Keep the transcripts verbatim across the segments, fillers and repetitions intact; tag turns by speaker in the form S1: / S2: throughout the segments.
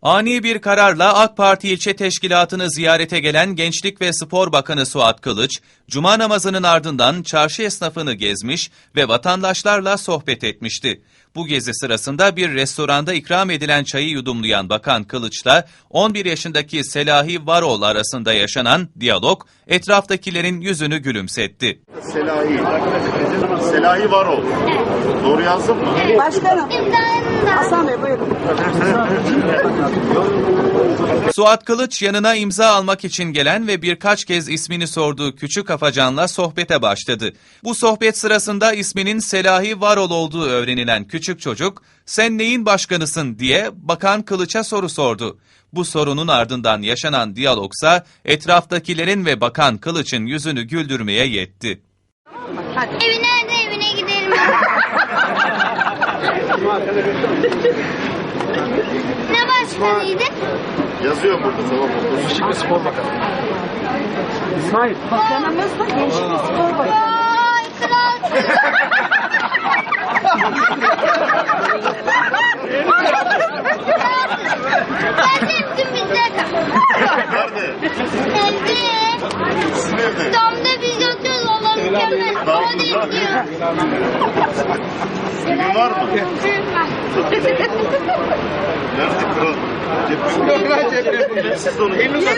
S1: Ani bir kararla AK Parti ilçe teşkilatını ziyarete gelen Gençlik ve Spor Bakanı Suat Kılıç, Cuma namazının ardından çarşı esnafını gezmiş ve vatandaşlarla sohbet etmişti. Bu gezi sırasında bir restoranda ikram edilen çayı yudumlayan Bakan Kılıç'la on bir yaşındaki Selahi Varol arasında yaşanan diyalog etraftakilerin yüzünü gülümsetti.
S2: Selahi, Selahi Varol. Doğru yazdım mı?
S3: Başkanım. Hasan Bey buyurun.
S1: Suat Kılıç yanına imza almak için gelen ve birkaç kez ismini sorduğu küçük afacanla sohbete başladı. Bu sohbet sırasında isminin Selahi Varol olduğu öğrenilen küçük çocuk, "Sen neyin başkanısın?" diye Bakan Kılıç'a soru sordu. Bu sorunun ardından yaşanan diyalogsa etraftakilerin ve Bakan Kılıç'ın yüzünü güldürmeye yetti.
S4: Evi nerede, evine gidelim. Ne başkanıydı?
S2: Yazıyor burada, tamam mı? Gençlik ve Spor Bakanı.
S3: İsmail. Bakanımız da Gençlik ve Spor Bakanı.
S4: Vay kral. Ben sevdim bizde kal.
S2: Nerede?
S4: Evde.
S2: Sizin evde.
S4: Damda biz yatıyoruz, Allah mükemmel. O da izliyor.
S2: Filmin var mı? Nerede kral? Siz de onu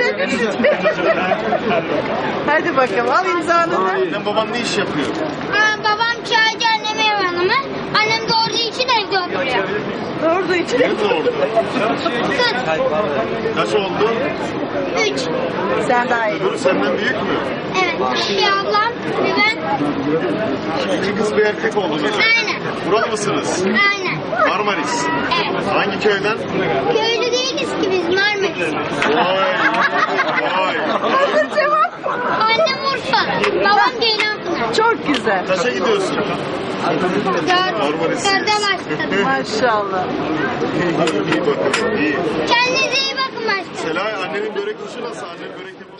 S3: Hadi bakalım al imzanı.
S2: Annem baban ne iş yapıyor?
S4: Ha, babam çaycı, annem ev hanımı. Annem doğru için evde oturuyor.
S3: Doğru için.
S2: Ne doğurdu?
S4: Kız.
S2: Kaç oldu?
S4: Üç.
S3: Sen daha iyi.
S2: Öbürü senden büyük mü?
S4: Evet. Bir ablam, bir ben.
S2: İki kız bir erkek oldunuz.
S4: Aynen.
S2: Buralı mısınız?
S4: Aynen.
S2: Marmaris.
S4: Evet.
S2: Hangi köyden?
S4: Köylü değiliz ki biz, Marmaris.
S2: Vay. Vay.
S4: Annem Urfa, babam Ceylanpınar.
S3: Çok güzel.
S2: Kaça gidiyorsun?
S4: Dört.
S2: Marmaris.
S4: Dörde başladım.
S3: Maşallah.
S2: İyi, iyi bakalım, iyi.
S4: Kendinize iyi bakın başkanım.
S2: Selay, annenin börek işi nasıl? Annen börek yapıyor.